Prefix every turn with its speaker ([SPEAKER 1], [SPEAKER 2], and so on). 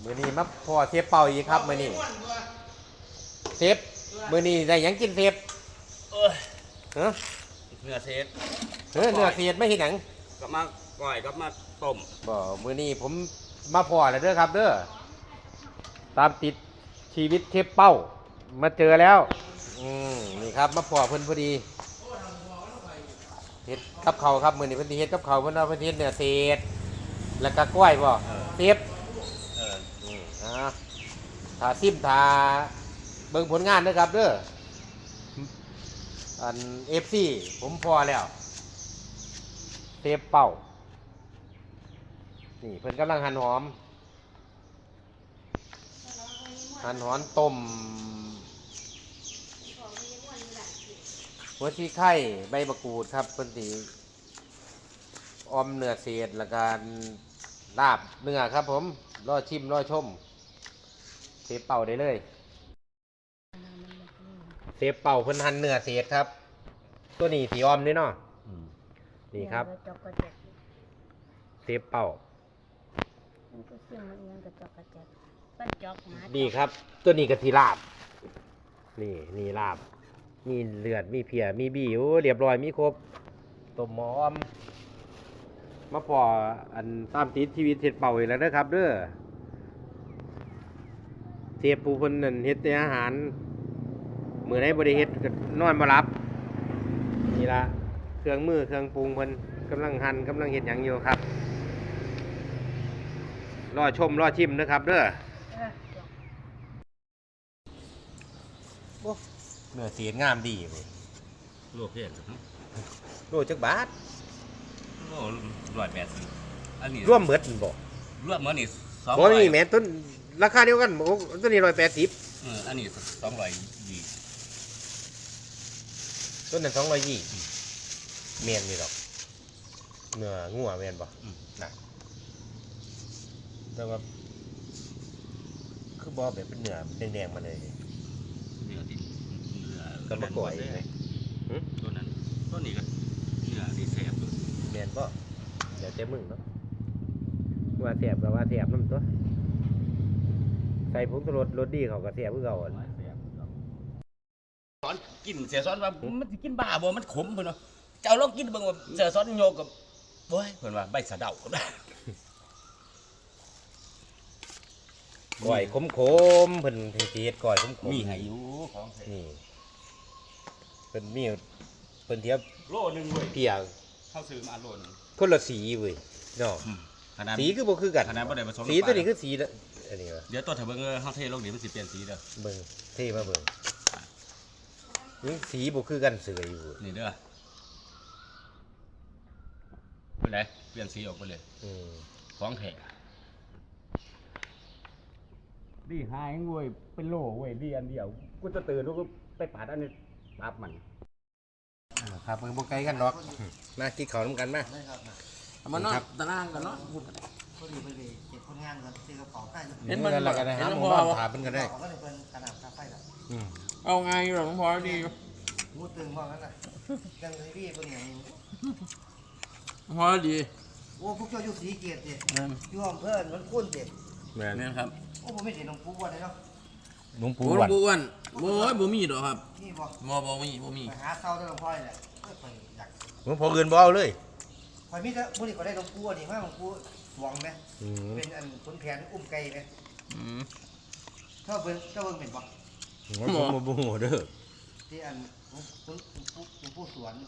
[SPEAKER 1] มื้อนี้มาพอเทปเป่าอีกครับมื้อนี้เทปมื้อนี้ได้หยังกินเทปฮะ
[SPEAKER 2] เนื้อเศษ
[SPEAKER 1] เนื้อเศษไม่เห็นหยัง
[SPEAKER 2] ก็มาก่อยก็มาต้ม
[SPEAKER 1] บ่มื้อนี้ผมมาพอแล้วเด้อครับเด้อตามติดชีวิตเทปเป้ามาเจอแล้วนี่ครับมาพอเพิ่นพอดีเฮ็ดกับเขาครับมื้อนี้เพิ่นสิเฮ็ดกับเขาเพิ่นเอาเพิ่นเฮ็ดเนื้อเศษแล้วก็กล้วยบ่เทปถ้าซิมถ้าเบิ่งผลงานนะครับเด้ออัน FC ผมพอแล้วเทปเป้านี่เพิ่นกำลังหั่นหอมต้มหัวชีไข่ใบมะกรูดครับเพิ่นสิออมเนื้อเศษแล้วก็ลาบเนื้อครับผมรอชิมรอชมเทปเป่าได้เลยเทปเป่าเพิ่นหั่นเนื้อเศษครับตัวนี้สีออมนี่เนาะนี่ครับเทปเป่าดีครับตัวนี้กะทิลาบนี่ลาบมีเลือดมีเพียมีบีโอ้เรียบร้อยมีครบต้มหอมมาพออันตามติดชีวิตเฮ็ดเป่าอีกแล้วนะครับเด้อเทปผู้เพิ่นนั่นเฮ็ดแต่อาหารมื้อใดบ่ได้เฮ็ดก็นอนบ่หลับนี่ล่ะเครื่องมือเครื่องปรุงเพิ่นกำลังหั่นกำลังเฮ็ดหยังอยู่ครับรอชมรอชิมนะครับเด้อเนื้อเสียงามดีเลย
[SPEAKER 2] ลวกเพี้ยนครับ
[SPEAKER 1] โลจักบาท
[SPEAKER 2] โล180อันนี้
[SPEAKER 1] ร่วมเบิดบ่
[SPEAKER 2] รวมมื้อนี่
[SPEAKER 1] 200บ่นี่แม่นต้นราคาเดียวกันบ่ต้นนี้180
[SPEAKER 2] อันนี้220
[SPEAKER 1] ต้นนั้น220แม่นนี่ดอกเนื้องัวแม่นบ่น่ะแต่ว่าคือบ่แบบเป็นเนื้อแดงๆมาเลย
[SPEAKER 2] เนื้อที่
[SPEAKER 1] ก็มาก่อย
[SPEAKER 2] ตัวนั้นตัวนี้ก็เนื้อที่แซ่บอยู่
[SPEAKER 1] แม่นบ่เดี๋ยวแต่มึงเนาะว่าแซ่บก็ว่าแซ่บนำตัวใส่ผงชูรสดีเขาก็แซ่บคือเก่าอ่ะ
[SPEAKER 2] สอนกินเสียสอนว่ามันสิกินบ้าบ่มันขมเพิ่นว่าเจ้าลองกินเบิ่งว่าเสียสอนโยกกับโอ้ยเพิ่นว่าใบสะเดาก็ได้
[SPEAKER 1] ก้อยขมๆเพิ่นสิเฮ็ดก้อยขม
[SPEAKER 2] มีให้อยู่ของ
[SPEAKER 1] นี่เพิ่นมีเพิ่นเทียบ
[SPEAKER 2] โลนึงเว้ย
[SPEAKER 1] เพีย
[SPEAKER 2] เฮาซื้อมาโลนึง
[SPEAKER 1] คนละสีเว้ยเนาะสีคือบ่คือกัน
[SPEAKER 2] ขนาดบ่ได้ผสม
[SPEAKER 1] สีตัวนี้คือสีอันนี้
[SPEAKER 2] เดี๋ยวตัวถ้าเบิ่งเฮาเทลงนี่มันสิเปลี่ยนสีเด้อ
[SPEAKER 1] เบิ่งเทมาเบิ่งนี่สีบ่คือกันเสืออยู่
[SPEAKER 2] นี่เด้อเป็นไดเปลี่ยนสีออกไปเลยของแท้ดีหายงวยเป็นโลเว้ยดีอันเดียวกูจะตื่นแล้วก็ไปปาดอันนี้ปั๊บมัน
[SPEAKER 1] ครับเบิ่งบ่ไกลกันดอกมากินข้าวนำกันมา
[SPEAKER 2] เอามานอนตารางกันเนาะ
[SPEAKER 3] พอดีเก็บคนงานก่อนซื้อกระเป๋าใต้
[SPEAKER 1] เห็นมันแล้วก็ได้หาหมู่บ้านถามเพิ่นก็ได้
[SPEAKER 3] ก็เลยเป็นขนาดคาไฟแล้ว
[SPEAKER 2] เอาไงอยู่หลวงพ่อดี
[SPEAKER 3] พูดตึงว่างั้นน่ะยังเลยพี่เป็นอย่างนี้
[SPEAKER 2] พ่อดี
[SPEAKER 3] โอ้พวกเจ้าอยู่สีเกียรติอยู่อำเภอมันคุ้นเด็ด
[SPEAKER 2] แม่นครับ
[SPEAKER 3] โอ้ผมไม่เห็นหลวงปู่วันเลยเนาะ
[SPEAKER 1] หลวงปู่
[SPEAKER 2] อ้วนโอ้ยบ่มีดอกครับ
[SPEAKER 3] นี่บ่
[SPEAKER 2] มี
[SPEAKER 3] ไปหาเข้าได้หลวงพ่อเนี่ยไปอยาก
[SPEAKER 1] หลวงพ่ออื่นบ่เอาเลย
[SPEAKER 3] คอยมีแต่มื้อนี้ก็ได้หลวงปู่นี่มาหลวงปู่หวังไหมเป็นอันขุนแผนอุ้มไก่ไหมเจ้าเบิ่งเป็นบ่
[SPEAKER 1] บ่ฮู้เด้อ
[SPEAKER 3] ที่อันหลวงปู่สวน